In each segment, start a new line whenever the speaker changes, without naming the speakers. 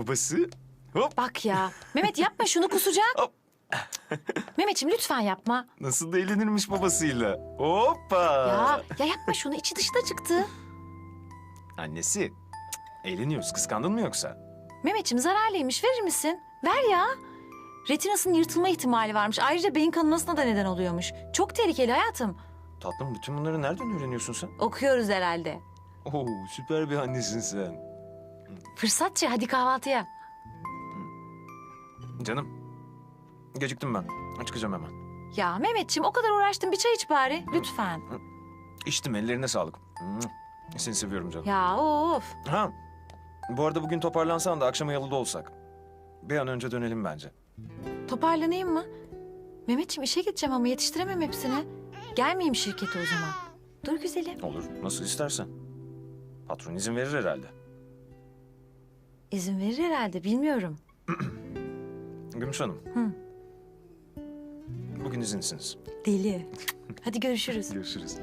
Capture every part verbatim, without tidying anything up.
babası. Hop.
Bak ya. Mehmet yapma şunu, kusacak.
Hop.
Mehmetciğim lütfen yapma.
Nasıl da eğlenirmiş babasıyla. Hoppa.
Ya, ya yapma şunu, içi dışta çıktı.
Annesi. Cık, eğleniyoruz. Kıskandın mı yoksa?
Mehmetciğim zararlıymış, verir misin? Ver ya. Retinasının yırtılma ihtimali varmış. Ayrıca beyin kanamasına da neden oluyormuş. Çok tehlikeli hayatım.
Tatlım bütün bunları nereden öğreniyorsun sen?
Okuyoruz herhalde.
Oo süper bir annesin sen.
Fırsatçı, hadi kahvaltıya.
Canım. Geciktim ben. Çıkacağım hemen.
Ya Mehmetciğim o kadar uğraştım, bir çay iç bari. Lütfen.
İçtim, ellerine sağlık. Hmm, Seni seviyorum canım.
Ya of.
Ha. Bu arada bugün toparlansan da akşama yalıda olsak. Bir an önce dönelim bence.
Toparlanayım mı? Mehmetciğim işe gideceğim ama yetiştiremem hepsini. Gelmeyeyim şirkete o zaman. Dur güzelim.
Olur, nasıl istersen. Patron izin verir herhalde.
İzin verir herhalde, bilmiyorum.
Gümüş Hanım.
Hı.
Bugün izinsiniz.
Deli. Hadi görüşürüz.
Görüşürüz.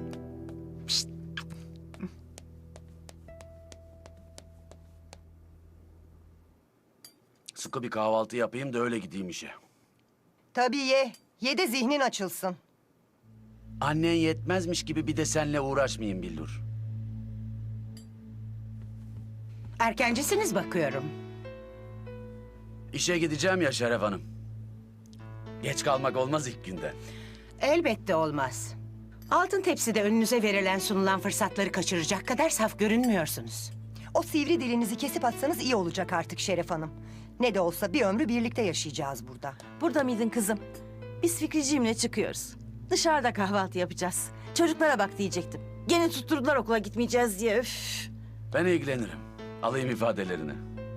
Sıkı bir kahvaltı yapayım da öyle gideyim işe.
Tabii ye. Ye de zihnin açılsın.
Annen yetmezmiş gibi bir de seninle uğraşmayayım Billur.
Erkencisiniz bakıyorum.
İşe gideceğim ya Şeref Hanım. Geç kalmak olmaz ilk günden.
Elbette olmaz. Altın tepside önünüze verilen sunulan fırsatları kaçıracak kadar saf görünmüyorsunuz.
O sivri dilinizi kesip atsanız iyi olacak artık Şeref Hanım. Ne de olsa bir ömrü birlikte yaşayacağız burada.
Burada mıydın kızım? Biz Fikriciğimle çıkıyoruz. Dışarıda kahvaltı yapacağız. Çocuklara bak diyecektim. Gene tutturdular okula gitmeyeceğiz diye. Üf.
Ben ilgilenirim. Alayım ifadelerini.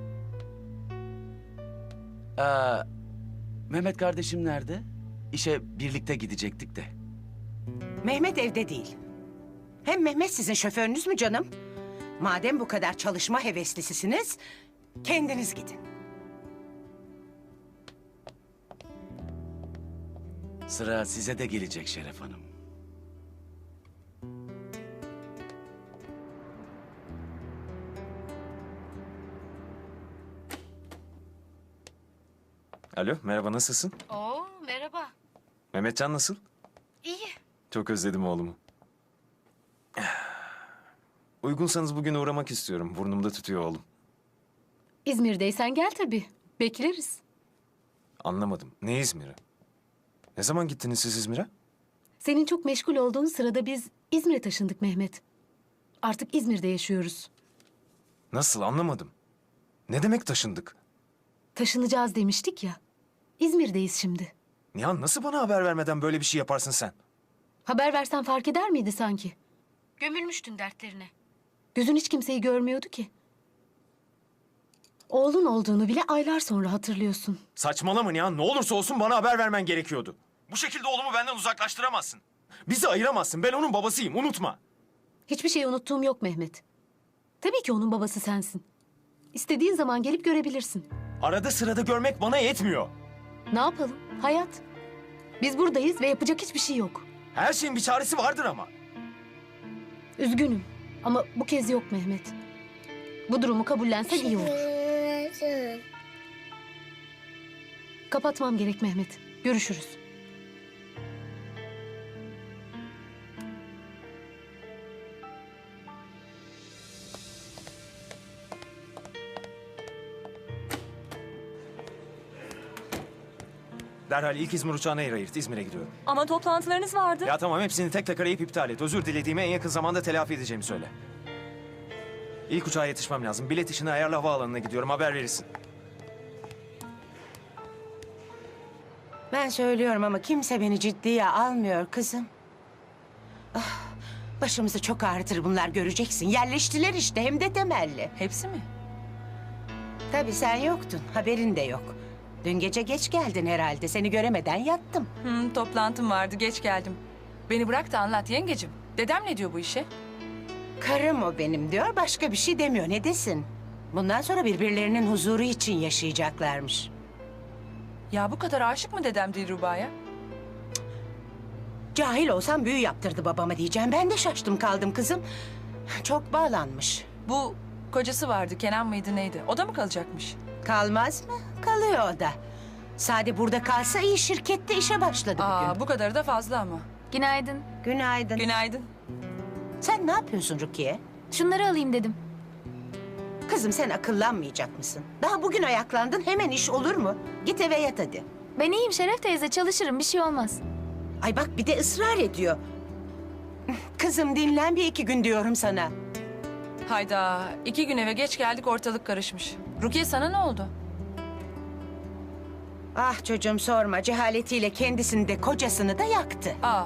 Ee, Mehmet kardeşim nerede? İşe birlikte gidecektik de.
Mehmet evde değil. Hem Mehmet sizin şoförünüz mü canım? Madem bu kadar çalışma heveslisisiniz, kendiniz gidin.
Sıra size de gelecek Şeref Hanım.
Alo, merhaba, nasılsın?
Oo merhaba.
Mehmetcan nasıl?
İyi.
Çok özledim oğlumu. Uygunsanız bugün uğramak istiyorum. Burnumda tutuyor oğlum.
İzmir'deysen gel tabii. Bekleriz.
Anlamadım. Ne İzmir'i? Ne zaman gittiniz siz İzmir'e?
Senin çok meşgul olduğun sırada biz İzmir'e taşındık Mehmet. Artık İzmir'de yaşıyoruz.
Nasıl, anlamadım. Ne demek taşındık?
Taşınacağız demiştik ya. İzmir'deyiz şimdi.
Nihan, nasıl bana haber vermeden böyle bir şey yaparsın sen?
Haber versen fark eder miydi sanki? Gömülmüştün dertlerine. Gözün hiç kimseyi görmüyordu ki. Oğlun olduğunu bile aylar sonra hatırlıyorsun.
Saçmalama Nihan, ne olursa olsun bana haber vermen gerekiyordu. Bu şekilde oğlumu benden uzaklaştıramazsın. Bizi ayıramazsın, ben onun babasıyım, unutma.
Hiçbir şey unuttuğum yok Mehmet. Tabii ki onun babası sensin. İstediğin zaman gelip görebilirsin.
Arada sırada görmek bana yetmiyor.
Ne yapalım? Hayat. Biz buradayız ve yapacak hiçbir şey yok.
Her şeyin bir çaresi vardır ama.
Üzgünüm ama bu kez yok Mehmet. Bu durumu kabullensen iyi olur. Kapatmam gerek Mehmet. Görüşürüz.
Derhal ilk İzmir uçağına yer ayırt, İzmir'e gidiyorum.
Ama toplantılarınız vardı.
Ya tamam, hepsini tek tek arayıp iptal et. Özür dilediğimi en yakın zamanda telafi edeceğimi söyle. İlk uçağa yetişmem lazım. Bilet işini ayarla, havaalanına gidiyorum. Haber verirsin.
Ben söylüyorum ama kimse beni ciddiye almıyor kızım. Ah, başımızı çok ağrıtır bunlar, göreceksin. Yerleştiler işte, hem de temelli.
Hepsi mi?
Tabii sen yoktun, haberin de yok. Dün gece geç geldin herhalde, seni göremeden yattım.
Hı, toplantım vardı, geç geldim. Beni bırak da anlat yengecim. Dedem ne diyor bu işe?
Karım o benim diyor, başka bir şey demiyor. Ne desin? Bundan sonra birbirlerinin huzuru için yaşayacaklarmış.
Ya bu kadar aşık mı dedem Dilruba'ya?
Cahil olsam büyü yaptırdı babama diyeceğim. Ben de şaştım kaldım kızım. Çok bağlanmış.
Bu
Kocası vardı, Kenan mıydı neydi? O da mı kalacakmış?
Kalmaz mı? Kalıyor o da. Sade burada kalsa iyi, şirkette işe başladı bugün.
Aa, bu kadarı da fazla ama.
Günaydın.
Günaydın.
Günaydın.
Sen ne yapıyorsun Rukiye?
Şunları alayım dedim.
Kızım sen akıllanmayacak mısın? Daha bugün ayaklandın, hemen iş olur mu? Git eve yat hadi.
Ben iyiyim Şeref teyze, çalışırım, bir şey olmaz.
Ay bak bir de ısrar ediyor. Kızım dinlen bir iki gün diyorum sana.
Hayda, iki gün eve geç geldik, ortalık karışmış. Rukiye sana ne oldu?
Ah çocuğum sorma, cehaletiyle kendisini de kocasını da yaktı.
Aa,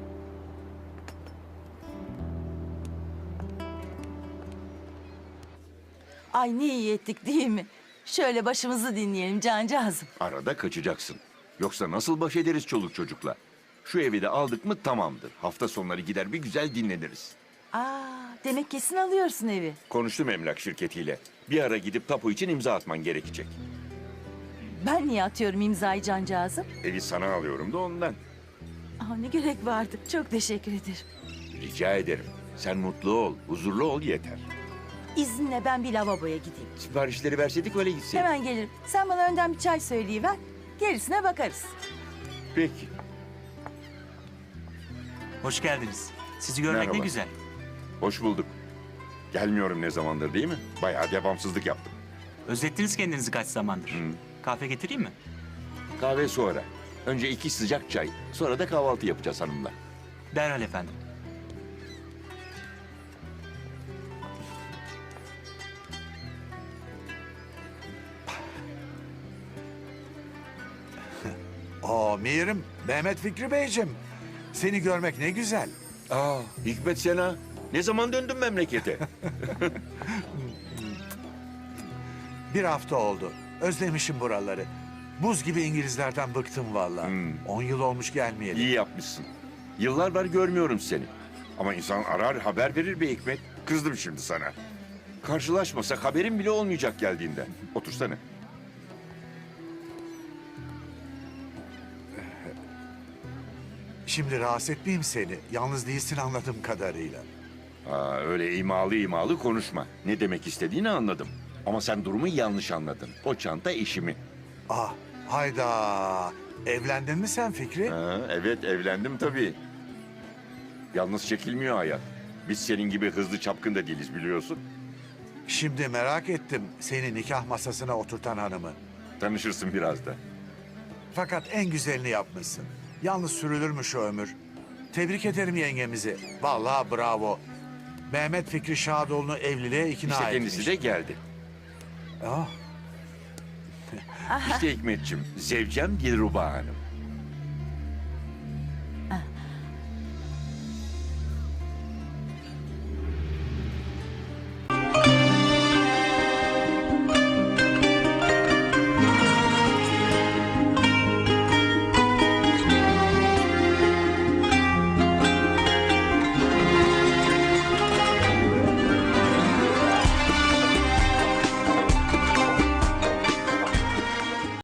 Ay ne iyi ettik değil mi? Şöyle başımızı dinleyelim cancağızım.
Arada kaçacaksın. Yoksa nasıl baş ederiz çoluk çocukla? Şu evi de aldık mı tamamdır. Hafta sonları gider bir güzel dinleniriz.
Aa, demek kesin alıyorsun evi.
Konuştum emlak şirketiyle. Bir ara gidip tapu için imza atman gerekecek.
Ben niye atıyorum imzayı cancağızım?
Evi sana alıyorum da ondan.
Aa, ne gerek vardı. Çok teşekkür ederim.
Rica ederim. Sen mutlu ol, huzurlu ol yeter.
İzninle ben bir lavaboya gideyim.
Siparişleri verseydik öyle gitseydik.
Hemen gelirim. Sen bana önden bir çay söyleyiver. Gerisine bakarız.
Peki.
Hoş geldiniz. Sizi görmek
Merhaba.
ne güzel.
Hoş bulduk. Gelmiyorum ne zamandır değil mi? Bayağı devamsızlık yaptım.
Özlettiniz kendinizi kaç zamandır.
Hı.
Kahve getireyim mi?
Kahve sonra. Önce iki sıcak çay. Sonra da kahvaltı yapacağız hanımla.
Derhal efendim.
Oo Mirim, Mehmet Fikri Beyciğim. Seni görmek ne güzel.
Aa, Hikmet Sena. Ne zaman döndün memlekete?
Bir hafta oldu. Özlemişim buraları. Buz gibi İngilizlerden bıktım vallahi.
Hmm.
On yıl olmuş gelmeyeli.
İyi yapmışsın. Yıllar var görmüyorum seni. Ama insan arar haber verir be Hikmet. Kızdım şimdi sana. Karşılaşmasak haberin bile olmayacak geldiğinde. Otursana.
Şimdi rahatsız etmeyeyim seni. Yalnız değilsin anladığım kadarıyla.
Aa, öyle imalı imalı konuşma. Ne demek istediğini anladım. Ama sen durumu yanlış anladın. O çanta işimi.
Ah, hayda. Evlendin mi sen Fikri?
Ha, evet evlendim tabii. Yalnız çekilmiyor hayat. Biz senin gibi hızlı çapkın da değiliz biliyorsun.
Şimdi merak ettim seni nikah masasına oturtan hanımı.
Tanışırsın biraz da.
Fakat en güzelini yapmışsın. Yalnız sürülür mü şu ömür? Tebrik ederim yengemizi. Vallahi bravo. Mehmet Fikri Şadoğlu'nu evliliğe ikna
İşte
etmiş.
kendisi de geldi.
Ah,
İşte Hikmetciğim, zevcem Dilruba Hanım.